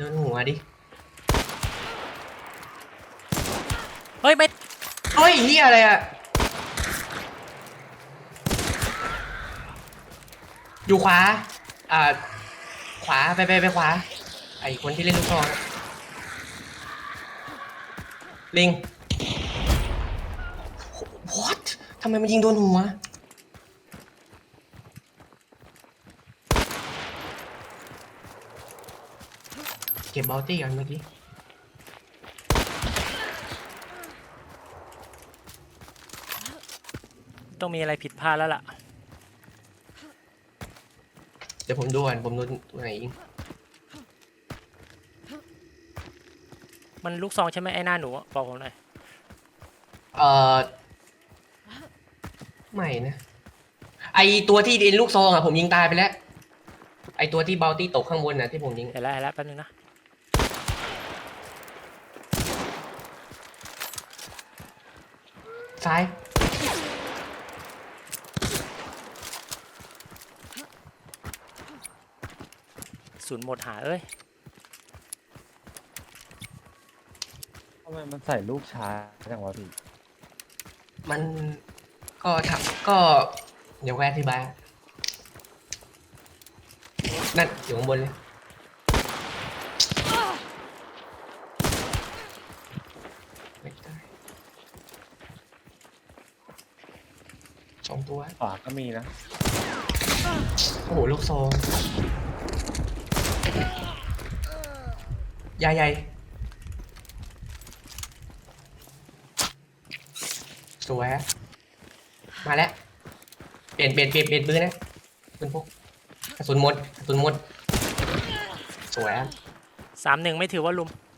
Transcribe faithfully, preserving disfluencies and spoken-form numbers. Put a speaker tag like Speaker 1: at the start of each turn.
Speaker 1: โดนหัวดิ
Speaker 2: เฮ้ยไม่
Speaker 1: เฮ้ยเฮียอะไรอะอยู่ขวาอ่าขวาไปไปไปขวาไอคนที่เล่นลูกซองลิง what ทำไมมันยิงโดนหัวเก็บบอลตี้กันเมื่อกี้
Speaker 2: ต้องมีอะไรผิดพลาดแล้วล่ะ
Speaker 1: เดี๋ยวผมดูก่อนผมโดนตัวไหนยิง
Speaker 2: มันลูกซองใช่ไหมไอ้หน้าหนูบอกผมหน่อย
Speaker 1: เอ่อไม่นะไอตัวที่เดินลูกซองอะผมยิงตายไปแล้วไอตัวที่บอลตี้ตกข้างบนน่ะที่ผมยิง
Speaker 2: เห็นแล้วเห็นแล้วแป๊บนึงนะ
Speaker 1: ซ้าย
Speaker 2: ศูนย์หมดหาเอ้ย
Speaker 3: ทำไมมันใส่ลูกช้าจังวะพี่
Speaker 1: มันก็ทำก็เดี๋ยวแวะอธิบายนั่นอยู่ข้างบนเลยไม่ได้สองตัว
Speaker 3: ขวาก็มีนะ
Speaker 1: โอ้โหลูกซองใหญ่ใหญ่สวยมาแล้วเปลี่ยนเปลี่ยนเปลี่ยนเปลี่ยนปืนนะปืนพกกระสุนหมดกระสุนหมดสวย
Speaker 2: สามหนึ่งไม่ถือว่าลุม